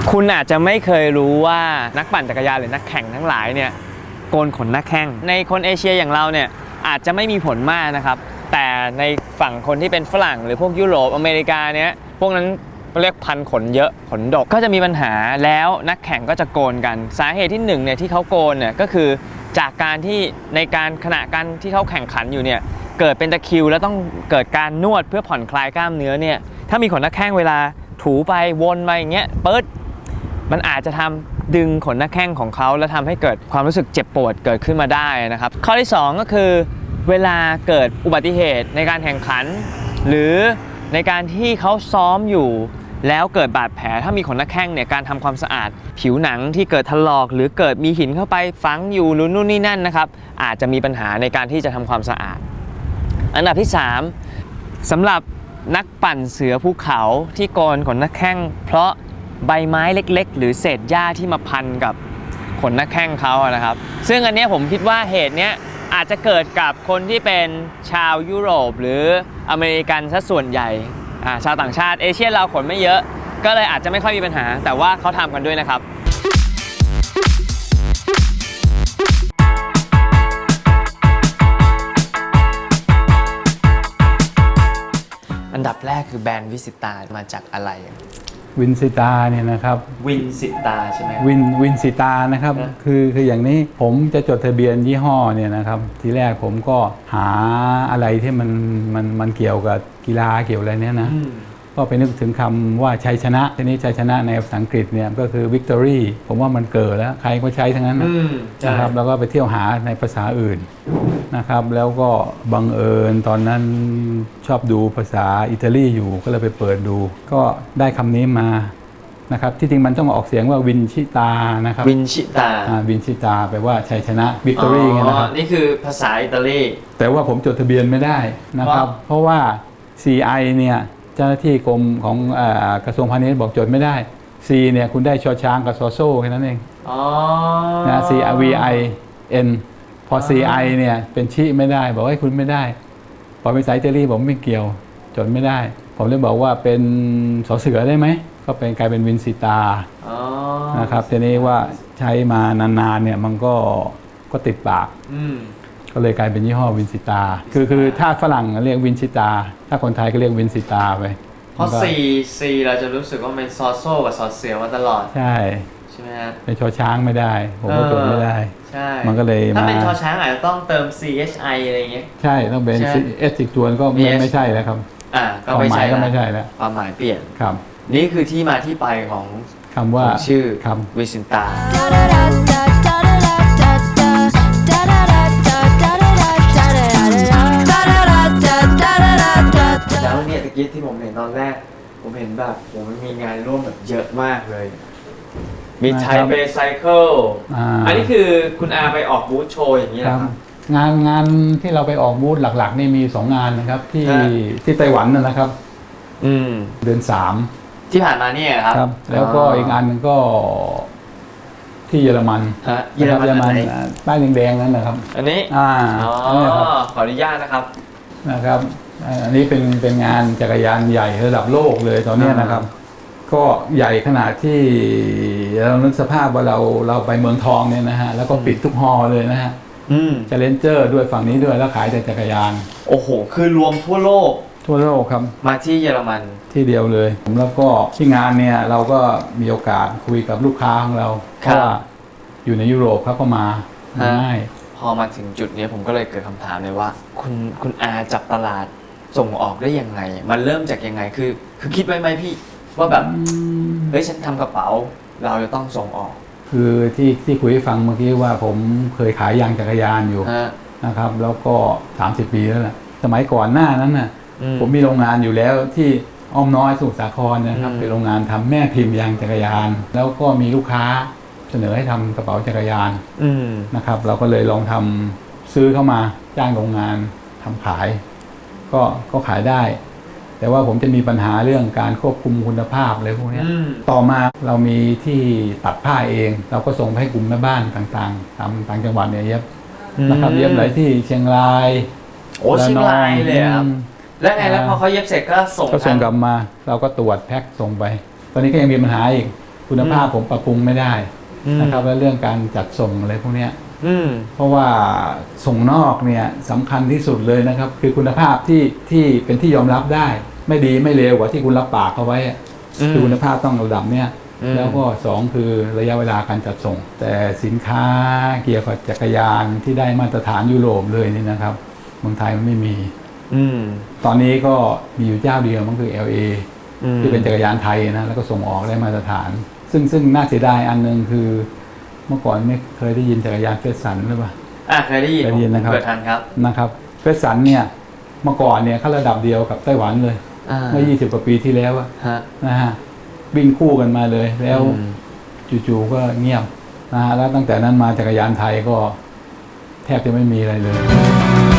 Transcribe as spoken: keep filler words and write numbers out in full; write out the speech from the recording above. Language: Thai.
คุณอาจจะไม่เคยรู้ว่านักปั่นจักรยานหรือนักแข่งทั้งหลายเนี่ยโกนขนหน้าแข้งในคนเอเชียอย่างเราเนี่ยอาจจะไม่มีผลมากนะครับแต่ในฝั่งคนที่เป็นฝรั่งหรือพวกยุโรปอเมริกาเนี่ยพวกนั้นเรียกพันขนเยอะขนดกก็จะมีปัญหาแล้วนักแข่งก็จะโกนกันสาเหตุที่หนึ่งเนี่ยที่เขาโกนเนี่ยก็คือจากการที่ในการขณะการที่เขาแข่งขันอยู่เนี่ยเกิดเป็นตะคริวแล้วต้องเกิดการนวดเพื่อผ่อนคลายกล้ามเนื้อเนี่ยถ้ามีขนหน้าแข้งเวลาถูไปวนมาอย่างเงี้ยปึ๊ดมันอาจจะทำดึงขนหน้าแข้งของเขาแล้วทำให้เกิดความรู้สึกเจ็บปวดเกิดขึ้นมาได้นะครับข้อที่สองก็คือเวลาเกิดอุบัติเหตุในการแข่งขันหรือในการที่เขาซ้อมอยู่แล้วเกิดบาดแผลถ้ามีขนหน้าแข้งเนี่ยการทำความสะอาดผิวหนังที่เกิดถลอกหรือเกิดมีหินเข้าไปฝังอยู่หรือนู่นนี่นั่นนะครับอาจจะมีปัญหาในการที่จะทำความสะอาดอันดับที่สามสำหรับนักปั่นเสือภูเขาที่โกนขนหน้าแข้งเพราะใบไม้เล็กๆหรือเศษหญ้าที่มาพันกับขนหน้าแข้งเขานะครับซึ่งอันนี้ผมคิดว่าเหตุนี้อาจจะเกิดกับคนที่เป็นชาวยุโรปหรืออเมริกันซะส่วนใหญ่ชาวต่างชาติเอเชียเราขนไม่เยอะก็เลยอาจจะไม่ค่อยมีปัญหาแต่ว่าเขาทำกันด้วยนะครับอันดับแรกคือแบรนด์วิสิตามาจากอะไรวินสิตาเนี่ยนะครับวินสิตาใช่ไหมวินวินสิตานะครับคือคืออย่างนี้ผมจะจดทะเบียนยี่ห้อเนี่ยนะครับทีแรกผมก็หาอะไรที่มันมันมันเกี่ยวกับกีฬาเกี่ยวอะไรเนี้ยนะก็ไปนึกถึงคำว่าชัยชนะทีนี้ชัยชนะในภาษาอังกฤษเนี่ยก็คือ victory ผมว่ามันเกิดแล้วใครก็ใช้ทั้งนั้นนะครับแล้วก็ไปเที่ยวหาในภาษาอื่นนะครับแล้วก็บังเอิญตอนนั้นชอบดูภาษาอิตาลีอยู่ก็เลยไปเปิดดูก็ได้คำนี้มานะครับที่จริงมันต้องออกเสียงว่าวินชิตานะครับวินชิตาวินชิตาแปลว่าชัยชนะ victory ไงนะครับนี่คือภาษาอิตาลีแต่ว่าผมจดทะเบียนไม่ได้นะครับเพราะว่า ซี ไอ เนี่ยเจ้าหน้าที่กรมของกระทรวงพาณิชย์บอกจดไม่ได้ C เนี่ยคุณได้ชอช้างกับซอโซ่แค่นั้นเองนะ C R V I N พอ ซี ไอ เนี่ยเป็นชิไม่ได้บอกให้คุณไม่ได้พอเป็นสายอิตาลีผมไม่เกี่ยวจดไม่ได้ผมเลยบอกว่าเป็นสอเสือได้ไหมก็เป็นกลายเป็นวินสิตานะครับทีนี้ว่าใช้มานานๆเนี่ยมันก็ก็ติดปากก็เลยกลายเป็นยี่ห้อวินสิตาคือคือถ้าฝรั่งเรียกวินสิตาถ้าคนไทยก็เรียกวินสิตาไปเพราะ C C เราจะรู้สึกว่าเป็นซอโซ่กับซอเสือมาตลอดใช่ใช่ไหมฮะเป็นชอช้างไม่ได้ผมก็จดไม่ได้ใช่มันก็เลยถ้าเป็นชอช้างอาจจะต้องเติม C H I อะไรเงี้ยใช่ต้องเป็น S อีกตัวก็ไม่ไม่ใช่แล้วครับอ่าก็ไม่ใช่ก็ไม่ใช่แล้วความหมายเปลี่ยนครับนี่คือที่มาที่ไปของคำว่าชื่อวิสิตาแล้วเนี่ยตะกี้ที่ผมเห็นตอนแรกผมเห็นแบบผมมีงานร่วมแบบเยอะมากเลยมีไทเปไซเคิลอันนี้คือคุณอาไปออกบูธโชว์อย่างนี้นะครับงานงานที่เราไปออกบูธหลักๆนี่มีสองงานนะครับที่ที่ไต้หวันนะครับอืมเดือนสามที่ผ่านมาเนี่ยครับครับแล้วก็อีกอันนึงก็ที่เยอรมันเยอรมันป้ายแดงๆนั่นนะครับอันนี้อ่าขออนุญาตนะครับนะครับอันนี้เป็นเป็นงานจักรยานใหญ่ระดับโลกเลยตอนนี้นะครับก็ใหญ่ขนาดที่เรานึกสภาพว่าเราเราไปเมืองทองเนี่ยนะฮะแล้วก็ปิดทุกฮอลเลยนะฮะเจเลนเจอร์ด้วยฝั่งนี้ด้วยแล้วขายแต่จักรยานโอ้โหคือรวมทั่วโลกทั่วโลกครับมาที่เยอรมันที่เดียวเลยผมแล้วก็ที่งานเนี่ยเราก็มีโอกาสคุยกับลูกค้าของเราเพราะว่าอยู่ในยุโรปเขาก็มาง่ายพอมาถึงจุดนี้ผมก็เลยเกิดคำถามเลยว่าคุณคุณอาจับตลาดส่งออกได้ยังไงมันเริ่มจากยังไงคือคือคิดไว้ไหมพี่ว่าแบบเฮ้ยฉันทำกระเป๋าเราจะต้องส่งออกคือที่ที่คุยให้ฟังเมื่อกี้ว่าผมเคยขายยางจักรยานอยู่นะครับแล้วก็สามสิบปีแล้วแหละสมัยก่อนหน้านั้นน่ะผมมีโรงงานอยู่แล้วที่อ้อมน้อยสมุทรสาครนะครับเป็นโรงงานทำแม่พิมพ์ยางจักรยานแล้วก็มีลูกค้าเสนอให้ทำกระเป๋าจักรยานนะครับเราก็เลยลองทำซื้อเข้ามาจ้างโรงงานทำขายก็ก็ขายได้แต่ว่าผมจะมีปัญหาเรื่องการควบคุมคุณภาพอะไรพวกนี้ต่อมาเรามีที่ตัดผ้าเองเราก็ส่งให้กลุ่มแม่บ้านต่างๆตามต่างจังหวัดเนี่ยเย็บนะครับเย็บหลายที่เชียงรายโอ้เชียงรายเลยครับแล้วไงแล้วพอเขาเย็บเสร็จก็ส่งก็ส่งกลับมาเราก็ตรวจแพ็คส่งไปตอนนี้ก็ยังมีปัญหาอีกคุณภาพผมปรับปรุงไม่ได้นะครับและเรื่องการจัดส่งอะไรพวกเนี้ยเพราะว่าส่งนอกเนี่ยสำคัญที่สุดเลยนะครับคือคุณภาพที่ที่เป็นที่ยอมรับได้ไม่ดีไม่เลวกว่าที่คุณรับปากเอาไว้คือคุณภาพต้องระดับเนี้ยแล้วก็สองคือระยะเวลาการจัดส่งแต่สินค้าเกี่ยวกับจักรยานที่ได้มาตรฐานยุโรปเลยนี่นะครับเมืองไทยมันไม่มีตอนนี้ก็มีอยู่เจ้าเดียวมันคือ แอล เอ ที่เป็นจักรยานไทยนะแล้วก็ส่งออกได้มาตรฐานซึ่งซึ่งน่าเสียดายอันนึงคือเมื่อก่อนไม่เคยได้ยินจักรยานเฟสสันหรือเปล่าอ่ะเคยได้ยินเคยได้ยินนะครับเกิดทันครับนะครับเฟสสันเนี่ยเมื่อก่อนเนี่ยเขาระดับเดียวกับไต้หวันเลยเมื่อยี่สิบกว่าปีที่แล้วนะฮะวิ่งคู่กันมาเลยแล้วจู่ๆก็เงียบนะฮะแล้วตั้งแต่นั้นมาจักรยานไทยก็แทบจะไม่มีอะไรเลย